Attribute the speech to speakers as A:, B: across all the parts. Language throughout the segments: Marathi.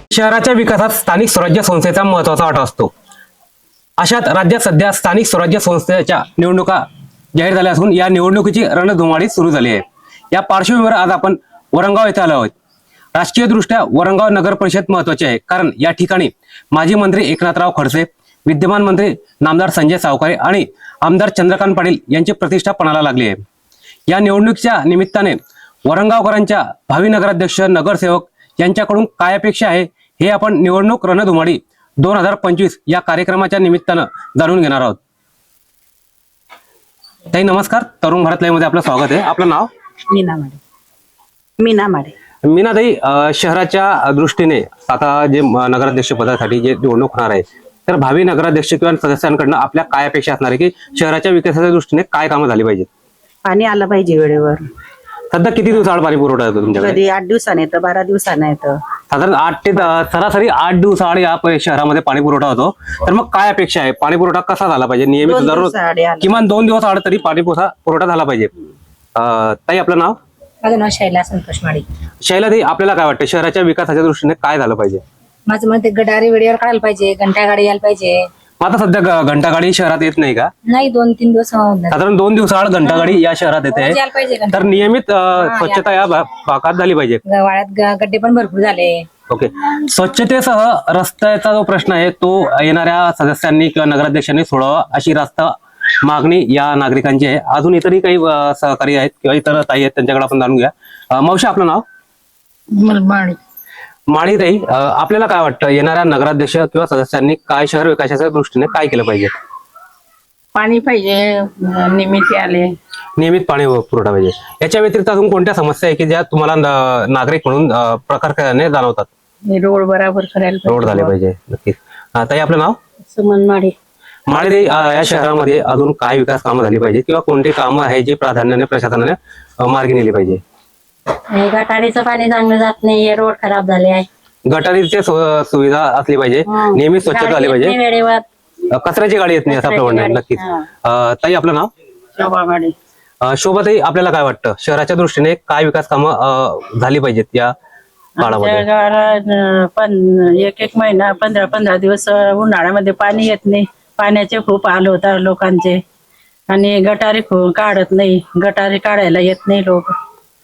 A: शहराच्या विकासात स्थानिक स्वराज्य संस्थेचा महत्वाचा वाटा असतो. अशात राज्यात सध्या स्थानिक स्वराज्य संस्थेच्या निवडणुका जाहीर झाल्या असून या निवडणुकीची रणधुमाळी सुरू झाली आहे. या पार्श्वभूमीवर आज आपण वरंगाव येथे आलो आहोत. राजकीय दृष्ट्या वरंगाव नगर परिषद महत्वाची आहे, कारण या ठिकाणी माजी मंत्री एकनाथराव खडसे, विद्यमान मंत्री नामदार संजय सावकारे आणि आमदार चंद्रकांत पाटील यांची प्रतिष्ठा पणाला लागली आहे. या निवडणुकीच्या निमित्ताने वरंगावकरांच्या भावी नगराध्यक्ष, नगरसेवक यांच्याकडून काय अपेक्षा आहे हे आपण निवडणूक रणधुमाळी 2025 या कार्यक्रमाच्या निमित्तानं जाणून घेणार आहोत. ताई नमस्कार, तरुण भारत लाईव्ह मध्ये आपलं स्वागत आहे. आपलं नाव?
B: मीना माडे.
A: मीना ताई, शहराच्या दृष्टीने आता जे नगराध्यक्ष पदासाठी जे निवडणूक होणार आहे, तर भावी नगराध्यक्ष किंवा सदस्यांकडनं आपल्या काय अपेक्षा असणार आहे की शहराच्या विकासाच्या दृष्टीने काय कामं झाली पाहिजेत?
B: पाणी आलं पाहिजे वेळेवर.
A: सध्या किती दिवसाआड पाणी पुरवठा येतो तुमच्याकडे?
B: कधी 8 दिवसाने येतं, 12 दिवसाने येतं.
A: साधारण 8 ते सरासरी 8 दिवसाआड या शहरामध्ये पाणी पुरवठा होतो. तर मग काय अपेक्षा आहे? पाणी पुरवठा कसा झाला पाहिजे? नियमित
B: 2
A: दररोज
B: दिवसाआड आलं.
A: किमान 2 दिवस आड तरी पाणी पुरवठा झाला पाहिजे. ताई आपलं नाव?
C: माझं नाव शैला संतोष माळी.
A: शैला ताई, आपल्याला काय वाटतं शहराच्या विकासाच्या दृष्टीने काय झालं पाहिजे?
C: माझं मत गटारी वेळेवर काढायला पाहिजे, घंटा गाडी यायला पाहिजे.
A: आता सध्या घंटागाडी शहरात येत नाही का?
C: नाही, 2-3 दिवस होऊन जातात.
A: साधारण 2 दिवसाआड घंटागाडी या शहरात येते.
C: रोज यायला पाहिजे घंटा.
A: तर नियमित स्वच्छता या भागात झाली पाहिजे.
C: वाड्यात गड्डे पण भरपूर झाले.
A: ओके. स्वच्छतेसह रस्त्याचा जो प्रश्न आहे तो येणाऱ्या सदस्यांनी किंवा नगराध्यक्षांनी सोडावा अशी रास्त मागणी या नागरिकांची आहे. अजून इतरही काही सहकारी आहेत किंवा इतर ताई आहेत, त्यांच्याकडे आपण जाणून घ्या. मावशी, आपलं नाव? माळी ताई, आपल्याला काय वाटतं येणाऱ्या नगराध्यक्ष किंवा सदस्यांनी काय शहर विकासाच्या दृष्टीने काय केलं पाहिजे?
B: पाणी पाहिजे, निमित्त आले.
A: नियमित पाणी पुरवठा पाहिजे. याच्या व्यतिरिक्त अजून कोणत्या समस्या आहे की ज्या तुम्हाला नागरिक म्हणून प्रकाराने जाणवतात?
B: रोड बराबर करायला
A: रोड झाले पाहिजे. नक्कीच. ताई आपलं नाव?
B: सुमन माडे.
A: माळी ताई, या शहरामध्ये अजून काय विकास कामं झाली पाहिजे किंवा कोणती कामं आहे जी प्राधान्याने प्रशासनाने मार्गी नेली पाहिजे?
C: गटारीचं पाणी चांगलं जात नाही, रोड खराब झाले आहे.
A: गटारीची सुविधा असली पाहिजे, नियमित स्वच्छता झाली पाहिजे,
C: वेळेवर
A: कचऱ्याची गाडी येत नाही असं आपलं म्हणणं आहे. नक्कीच. ताई आपलं नाव?
B: शोभा माडे.
A: शोभाताई, आपल्याला काय वाटतं शहराच्या दृष्टीने काय विकास कामं झाली पाहिजेत या काळामध्ये?
B: गावाला एक महिना 15 दिवस उन्हाळ्यामध्ये पाणी येत नाही. पाण्याचे खूप हाल होतात लोकांचे. आणि गटारी काढत नाही, गटारी काढायला येत नाही लोक.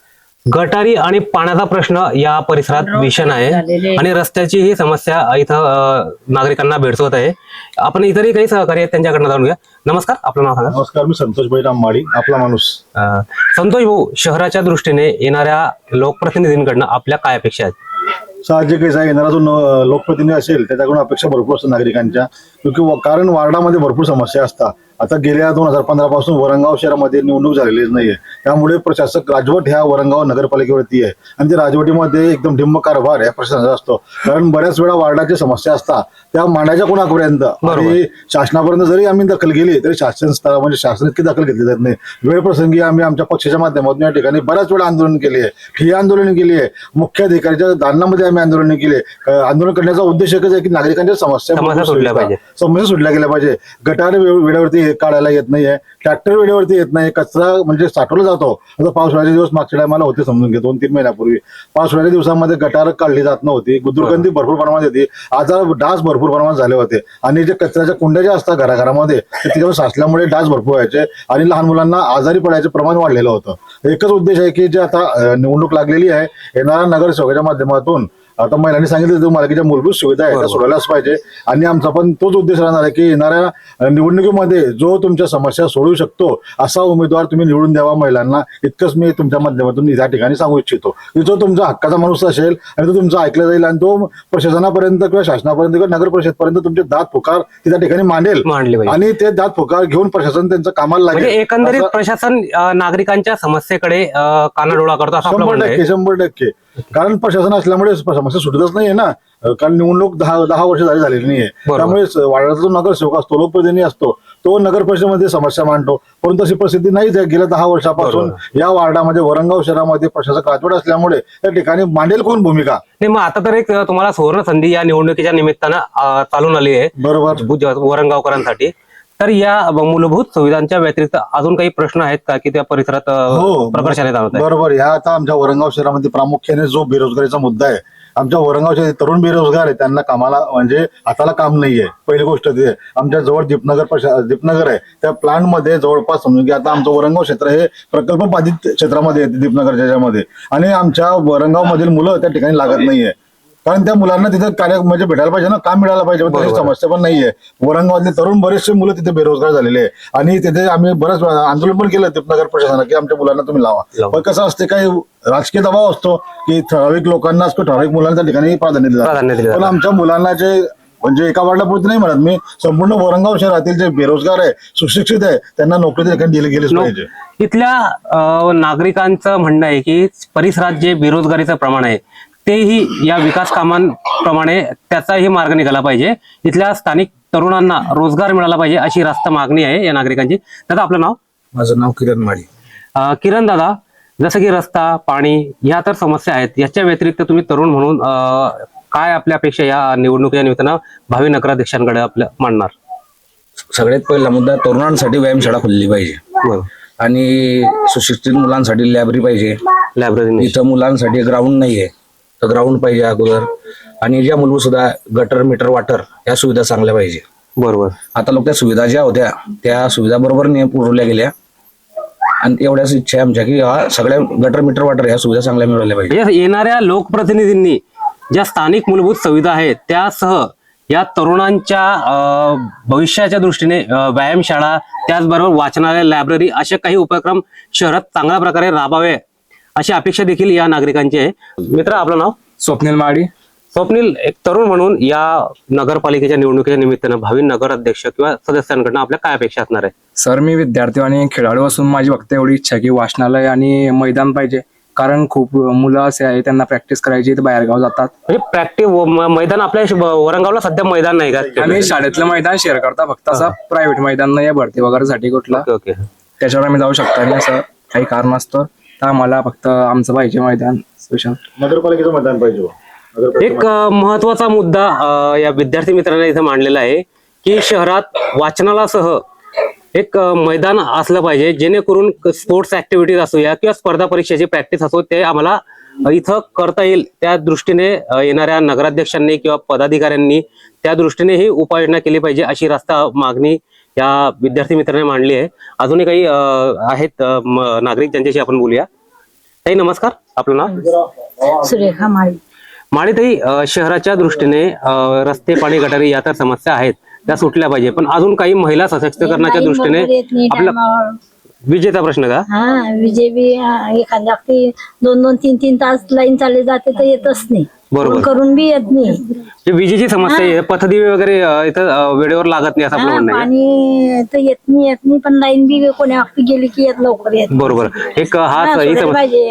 A: गटारी आणि पाण्याचा प्रश्न या परिसरात भीषण आहे आणि रस्त्याची ही समस्या इथं नागरिकांना भेडसवत आहे. आपण इतरही काही सहकारी आहेत, त्यांच्याकडनं जाणून घ्या. नमस्कार, आपलं नाव सांगा?
D: नमस्कार, मी संतोष भाईराम माळी, आपला माणूस.
A: संतोष भाऊ, शहराच्या दृष्टीने येणाऱ्या लोकप्रतिनिधींकडनं आपल्या काय अपेक्षा आहेत?
D: साहजिकच आहे, येणारा जो लोकप्रतिनिधी असेल त्याच्याकडून अपेक्षा भरपूर असतात नागरिकांच्या. कारण वार्डामध्ये भरपूर समस्या असतात. आता गेल्या 2015 पासून वरंगाव शहरामध्ये निवडणूक झालेलीच नाहीये. त्यामुळे प्रशासक राजवट ह्या वरंगाव नगरपालिकेवरती आहे आणि त्या राजवटीमध्ये एकदम ढिम्म कारभार या प्रशासनाचा असतो. कारण बऱ्याच वेळा वार्डाच्या समस्या असतात त्या मांडायच्या कोणापर्यंत आणि शासनापर्यंत जरी आम्ही दखल गेली तरी शासन स्तरावर शासन इतकी दखल घेतली जात नाही. वेळ प्रसंगी आम्ही आमच्या पक्षाच्या माध्यमातून या ठिकाणी बऱ्याच वेळा आंदोलन केली आहे, ठिय्या आंदोलन केली आहे, मुख्य अधिकाऱ्याच्या दालनामध्ये आम्ही आंदोलन केले. आंदोलन करण्याचा उद्देश एकच आहे की नागरिकांच्या समस्या सुटल्या गेल्या पाहिजे. गटार वेळेवरती काढायला येत नाहीये, ट्रॅक्टर वेळेवरती येत नाही, कचरा म्हणजे साठवला जातो. आता पावसाळ्याचे दिवस मागच्या टायमाला होते, समजून घे 2-3 महिन्यापूर्वी पावसाळ्याच्या दिवसामध्ये गटार काढली जात नव्हती, दुर्गंधी भरपूर प्रमाणात येते, आजार डास भरपूर प्रमाणात झाले होते आणि जे कचऱ्याच्या कुंड्या ज्या असतात घराघरामध्ये त्याच्यावर साचल्यामुळे डास भरपूर व्हायचे आणि लहान मुलांना आजारी पडायचे प्रमाण वाढलेलं होतं. एकच उद्देश आहे की जे आता निवडणूक लागलेली आहे, येणाऱ्या नगरसेवकाच्या माध्यमातून आता महिलांनी सांगितलं की मालकीच्या मूलभूत सुविधा आहे त्या सोडवल्याच पाहिजे आणि आमचा पण तोच उद्देश राहणार आहे की येणाऱ्या निवडणुकीमध्ये जो तुमच्या समस्या सोडवू शकतो असा उमेदवार तुम्ही निवडून द्यावा महिलांना. इतकंच मी तुमच्या माध्यमातून या ठिकाणी सांगू इच्छितो की जो तुमचा हक्काचा माणूस असेल आणि तो तुमचा ऐकला जाईल आणि तो प्रशासनापर्यंत किंवा शासनापर्यंत किंवा नगर परिषदपर्यंत तुमचे दात पुकार त्या ठिकाणी मांडेल आणि ते दात पुकार घेऊन प्रशासन त्यांचं कामाला लागेल.
A: एकंदरीत प्रशासन नागरिकांच्या समस्येकडे कानाडोळा करतो असं
D: 100%. कारण प्रशासन असल्यामुळे समस्या सुटतच नाहीये ना. कारण निवडणूक 10 वर्ष झालेली नाहीये. त्यामुळे वार्डाचा जो नगरसेवक असतो, लोकप्रतिनिधी असतो, तो नगर परिषदेमध्ये समस्या मांडतो. परंतु अशी परिस्थिती नाहीच आहे. गेल्या 10 वर्षापासून या वार्डामध्ये वरंगाव शहरामध्ये प्रशासक राजवट असल्यामुळे त्या ठिकाणी मांडेल कोण भूमिका
A: नाही. मग आता तर एक तुम्हाला सुवर्ण संधी या निवडणुकीच्या निमित्तानं चालून आली आहे. बरोबर. वरंगावकरांसाठी तर या मूलभूत सुविधांच्या व्यतिरिक्त अजून काही प्रश्न आहेत का की त्या परिसरात प्रकर्षाने जाणवत आहे?
D: बरोबर. ह्या आता आमच्या वरंगाव शहरामध्ये प्रामुख्याने जो बेरोजगारीचा मुद्दा आहे आमच्या वरंगावचे तरुण बेरोजगार आहेत, त्यांना कामाला म्हणजे हाताला काम नाहीये. पहिली गोष्ट ते आमच्या जवळ दीपनगर आहे, त्या प्लांट मध्ये जवळपास समजून की आता आमचं वरंगाव क्षेत्र हे प्रकल्प बाधित क्षेत्रामध्ये येते दीपनगरच्या याच्यामध्ये, आणि आमच्या वरंगाव मधील मुलं त्या ठिकाणी लागत नाहीये. कारण त्या मुलांना तिथे कार्य म्हणजे भेटायला पाहिजे ना, काम मिळायला पाहिजे, तशी समस्या पण नाहीये. वरंगावातले तरुण बरेचसे मुलं तिथे बेरोजगार झालेले आहे, आणि तिथे आम्ही बरंच आंदोलन पण केलं दीपनगर प्रशासनानं की आमच्या मुलांना तुम्ही लावा. पण कसं असते, काही राजकीय दबाव असतो की ठराविक लोकांनाच ठराविक मुलांना त्या ठिकाणी प्राधान्य दिलं जातं. पण आमच्या मुलांना जे म्हणजे एका वार्डापुरती नाही म्हणत मी, संपूर्ण वरंगाव शहरातील जे बेरोजगार आहे, सुशिक्षित आहे, त्यांना नोकरी त्या ठिकाणी दिली गेलीच पाहिजे.
A: इथल्या नागरिकांचं म्हणणं आहे की परिसरात जे बेरोजगारीचं प्रमाण आहे तेही या विकास कामांप्रमाणे त्याचाही मार्ग निघाला पाहिजे. इथल्या स्थानिक तरुणांना रोजगार मिळाला पाहिजे अशी रास्त मागणी आहे या नागरिकांची. दादा, आपलं नाव?
E: माझं नाव किरण माळी.
A: किरण दादा, जसं की रस्ता, पाणी ह्या तर समस्या आहेत, याच्या व्यतिरिक्त तुम्ही तरुण म्हणून काय आपल्या अपेक्षा या निवडणुकीच्या निमित्तानं भावी नगराध्यक्षांकडे आपल्या मांडणार?
E: सगळ्यात पहिला मुद्दा, तरुणांसाठी व्यायामशाळा खोलली पाहिजे आणि सुशिक्षित मुलांसाठी लायब्ररी पाहिजे.
A: लायब्ररी
E: इथं मुलांसाठी ग्राउंड नाहीये, तर ग्राउंड पाहिजे अगोदर. आणि ज्या मूलभूत सुद्धा गटर, मीटर, वॉटर या सुविधा चांगल्या पाहिजे.
A: बरोबर.
E: आता लोक त्या सुविधा ज्या होत्या त्या सुविधा बरोबर पुरवल्या गेल्या, आणि एवढ्याच इच्छा आहे आमच्या की सगळ्या गटर, मीटर, वॉटर या सुविधा चांगल्या मिळवल्या पाहिजे.
A: येणाऱ्या लोकप्रतिनिधींनी ज्या स्थानिक मूलभूत सुविधा आहेत त्यासह या तरुणांच्या भविष्याच्या दृष्टीने व्यायामशाळा, त्याचबरोबर वाचनालय, लायब्ररी असे काही उपक्रम शहरात चांगल्या प्रकारे राबावे अशी अपेक्षा देखील या नागरिकांची आहे. मित्र, आपलं नाव?
F: स्वप्नील माडी.
A: स्वप्नील, एक तरुण म्हणून या नगरपालिकेच्या निवडणुकीच्या निमित्तानं भावी नगराध्यक्ष किंवा सदस्यांकडनं आपल्या काय अपेक्षा असणार आहे?
F: सर, मी विद्यार्थी आणि खेळाडू असून माझी फक्त एवढी इच्छा आहे की वाचनालय आणि मैदान पाहिजे. कारण खूप मुलं असे आहे त्यांना प्रॅक्टिस करायची तर बाहेरगाव जातात.
A: म्हणजे प्रॅक्टिस मैदान आपल्या वरंगावला सध्या मैदान नाही का?
F: आम्ही शाळेतलं मैदान शेअर करता, फक्त असं प्रायव्हेट मैदान नाही भरती वगैरे साठी कुठला,
A: ओके.
F: त्याच्यावर आम्ही जाऊ शकतो. आणि असं काही कारण असतं तर आम्हाला फक्त आमचं पाहिजे मैदान स्पेशल.
D: नगरपालिकेचं मतदान पाहिजे.
A: एक महत्वाचा मुद्दा या विद्यार्थी मित्रांना इथे मांडलेला आहे की शहरात वाचनालयासह एक मैदान असलं पाहिजे, जेणेकरून स्पोर्ट्स ऍक्टिव्हिटीज असो या किंवा स्पर्धा परीक्षेची प्रॅक्टिस असो ते आम्हाला इथं करता येईल. त्या दृष्टीने येणाऱ्या नगराध्यक्षांनी किंवा पदाधिकाऱ्यांनी त्या दृष्टीने ही उपाययोजना केली पाहिजे अशी रास्त मागणी या विद्यार्थी मित्रांनी मांडली आहे. अजूनही काही आहेत नागरिक ज्यांच्याशी आपण बोलूया. ताई, नमस्कार, आपलं नाव?
C: सुरेखा माळी.
A: माळीताई, शहराच्या दृष्टीने रस्ते, पाणी, गटारी या तर समस्या आहेत, त्या सुटल्या पाहिजे, पण अजून काही महिला सशक्तीकरणाच्या दृष्टीने आपला विजेचा प्रश्न का?
C: हा, विजय बी एखाद्या 2-2, 3-3 तास लाईन चालली जाते तर येतच नाही.
A: बरोबर.
C: करून बी येत नाही.
A: जी विजेची समस्या आहे, पथदिवे वगैरे इथं वेळेवर लागत नाही असं आपलं म्हणणं आहे.
C: पाणी तर येत नाही, पण लाईन बी कोण्या वक्ती गेली की येत लवकर येत.
A: बरोबर. एक हाच ही समस्या.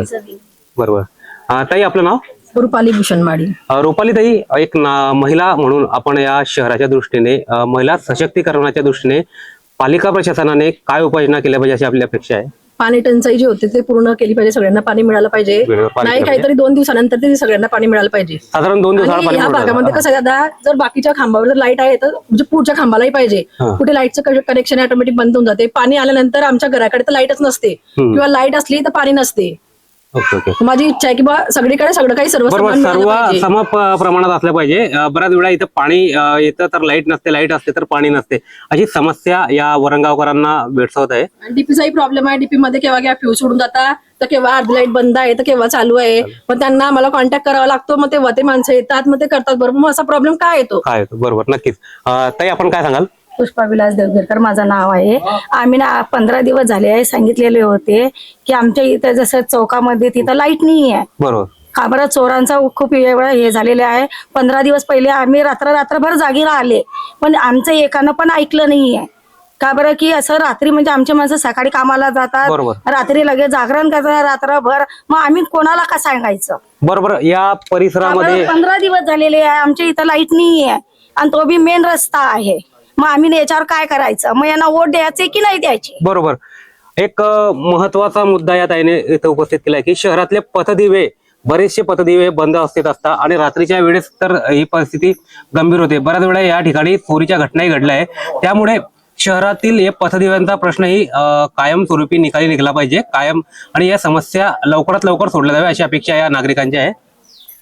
A: बरोबर. ताई, आपलं नाव?
G: रुपाली भूषण माडी.
A: रुपाली ताई, एक महिला म्हणून आपण या शहराच्या दृष्टीने महिला सशक्तीकरणाच्या दृष्टीने पालिका प्रशासनाने काय उपाययोजना केल्या पाहिजे अशी आपली अपेक्षा आहे?
G: पाणी टंचाई जी होते ते पूर्ण केली पाहिजे, सगळ्यांना पाणी मिळालं पाहिजे. नाही काहीतरी 2 दिवसानंतर तरी सगळ्यांना पाणी मिळालं पाहिजे.
A: साधारण 2 दिवसाला पाणी.
G: या भागामध्ये कसं आहे दादा, जर बाकीच्या खांबावर जर लाईट आहे तर म्हणजे पुढच्या खांबालाही पाहिजे. कुठे लाईटचं कनेक्शन ऑटोमॅटिक बंद होऊन जाते. पाणी आल्यानंतर आमच्या घराकडे तर लाईटच नसते, किंवा लाईट असली तर पाणी नसते.
A: Okay okay.
G: माझी इच्छा आहे की बा सगळीकडे सगळं काही सर्व
A: बरोबर, सर्व सम प्रमाणात असलं पाहिजे. बऱ्याच वेळा इथं पाणी येतं तर लाईट नसते, लाईट असते तर पाणी नसते, अशी समस्या या वरंगावकरांना भेडसावत आहे.
G: डीपीचाही प्रॉब्लेम आहे. डीपी मध्ये केव्हा फ्यूज सोडून जातात, तर केव्हा अर्धी लाईट बंद आहे तर केव्हा चालू आहे. मग त्यांना मला कॉन्टॅक्ट करावा लागतो, मग तेव्हा ते माणसं येतात, मग ते करतात. बरोबर, मग असा प्रॉब्लेम काय येतो?
A: काय येतो? बरोबर, नक्कीच. ताई, आपण काय सांगाल?
C: पुष्पा विलास देवगेरकर माझं नाव आहे. आम्ही ना 15 दिवस झाले आहे सांगितलेले होते की आमच्या इथं जसं चौकामध्ये तिथं लाईट नाही आहे.
A: बरोबर.
C: का बरं, चोरांचा खूप वेळा हे झालेले आहे. 15 दिवस पहिले आम्ही रात्रभर जागी राहिले, पण आमचं एकानं पण ऐकलं नाहीये. का बरं, की असं रात्री म्हणजे आमचे माणसं सकाळी कामाला जातात, रात्री लगेच जागरण करतात रात्रभर, मग आम्ही कोणाला का सांगायचं?
A: बरोबर. या परिसरामध्ये
C: 15 दिवस झालेले आहे, आमच्या इथं लाईट नाही आहे, आणि तो बी मेन रस्ता आहे. मग आम्ही याच्यावर काय करायचं? मग यांना वोट द्यायचे की नाही द्यायचे?
A: बरोबर. एक महत्वाचा मुद्दा या ताईने इथं उपस्थित केलाय की शहरातले पथदिवे, बरेचसे पथदिवे बंद अवस्थेत असतात आणि रात्रीच्या वेळेस तर ही परिस्थिती गंभीर होते. बऱ्याच वेळा या ठिकाणी चोरीच्या घटनाही घडल्या आहे. त्यामुळे शहरातील या पथदिव्यांचा प्रश्नही कायमस्वरूपी निकाली निघाला पाहिजे, कायम, आणि या समस्या लवकरात लवकर सोडल्या जाव्या अशी अपेक्षा या नागरिकांची आहे.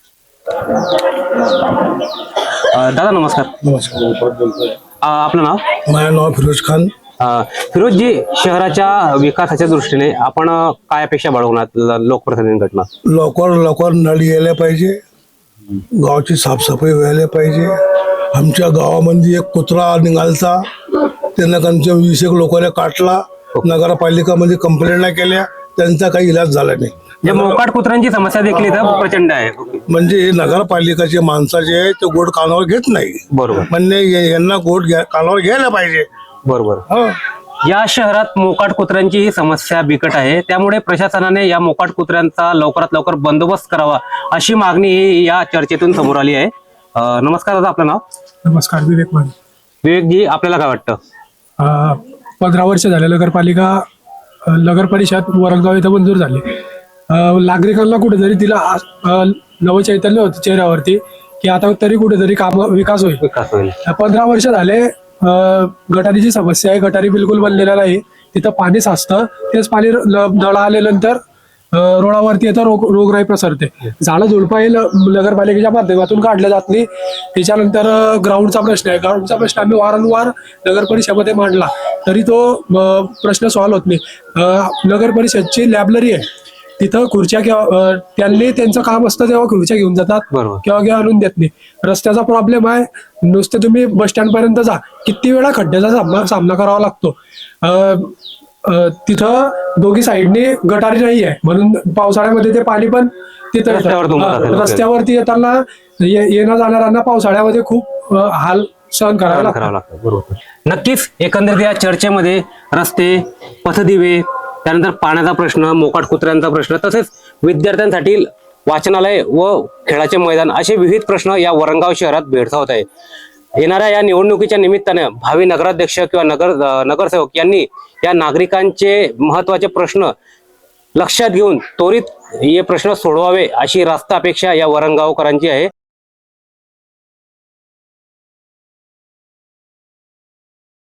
A: दादा नमस्कार. आपलं नाव?
H: माझं नाव फिरोज खान.
A: फिरोजजी, शहराच्या विकासाच्या दृष्टीने आपण काय अपेक्षा बाळगणार लोकप्रतिनिधींकडनं?
H: लवकर नळ यायला पाहिजे, गावाची साफसफाई व्हायला पाहिजे. आमच्या गावामध्ये एक कुत्रा निघालता, त्यांना त्यांच्या 20 एक लोकांना काटला. नगरपालिकामध्ये कंप्लेंट केल्या, त्यांचा काही इलाज झाला नाही.
A: या मोकाट कुत्र्यांची समस्या देखील इथं प्रचंड आहे.
H: म्हणजे हे नगरपालिकाचे माणसं जे आहे ते गोड कानावर घेत नाही.
A: बरोबर
H: म्हणजे यांना कानावर घ्यायला पाहिजे.
A: बरोबर.
H: हो.
A: या शहरात मोकाट कुत्र्यांची ही समस्या बिकट आहे, त्यामुळे प्रशासनाने या मोकाट कुत्र्यांचा लवकरात लवकर बंदोबस्त करावा अशी मागणी या चर्चेतून समोर आली आहे. नमस्कार दादा, आपलं नाव?
I: नमस्कार, विवेक माने.
A: विवेकजी, आपल्याला काय वाटतं?
I: 15 वर्ष झाले नगर परिषद वरंगाव इथं मंजूर झाली. नागरिकांना कुठेतरी तिला नवचैतन्य होतं चेहऱ्यावरती की आता तरी कुठेतरी विकास होईल. 15 वर्ष झाले गटारीची समस्या आहे. गटारी बिलकुल बनलेल्या नाही. तिथं पाणी साचतं, तेच पाणी नळा आल्यानंतर रोडावरती येतं, रोगराई प्रसरते. झाडं झुडपं हे नगरपालिकेच्या माध्यमातून काढलं जात नाही. त्याच्यानंतर ग्राउंडचा प्रश्न आहे. ग्राउंडचा प्रश्न आम्ही वारंवार नगर परिषदेमध्ये मांडला तरी तो प्रश्न सॉल्व्ह होत नाही. नगर परिषदची लायब्ररी आहे, तिथं खुर्च्या किंवा त्यांनी त्यांचं काम असतं तेव्हा खुर्च्या घेऊन जातात किंवा आणून देत नाही. रस्त्याचा प्रॉब्लेम आहे. नुसते तुम्ही बस स्टँड पर्यंत जा, किती वेळा खड्ड्याचा सामना करावा लागतो. तिथं दोघी साईडनी गटारी नाही आहे, म्हणून पावसाळ्यामध्ये ते पाणी पण तिथं रस्त्यावरती येताना येणं जाणाऱ्यांना पावसाळ्यामध्ये खूप हाल सहन करावे लागतात.
A: बरोबर. नक्कीच एकंदरीत या चर्चेमध्ये रस्ते, पथदिवे, त्यानंतर पाण्याचा प्रश्न, मोकाट कुत्र्यांचा प्रश्न, तसेच विद्यार्थ्यांसाठी वाचनालय व खेळाचे मैदान असे विविध प्रश्न या वरंगाव शहरात भेडसावत आहे. येणाऱ्या या निवडणुकीच्या निमित्ताने भावी नगराध्यक्ष किंवा नगरसेवक यांनी या नागरिकांचे महत्वाचे प्रश्न लक्षात घेऊन त्वरित हे प्रश्न सोडवावे अशी रास्त अपेक्षा या वरंगावकरांची आहे.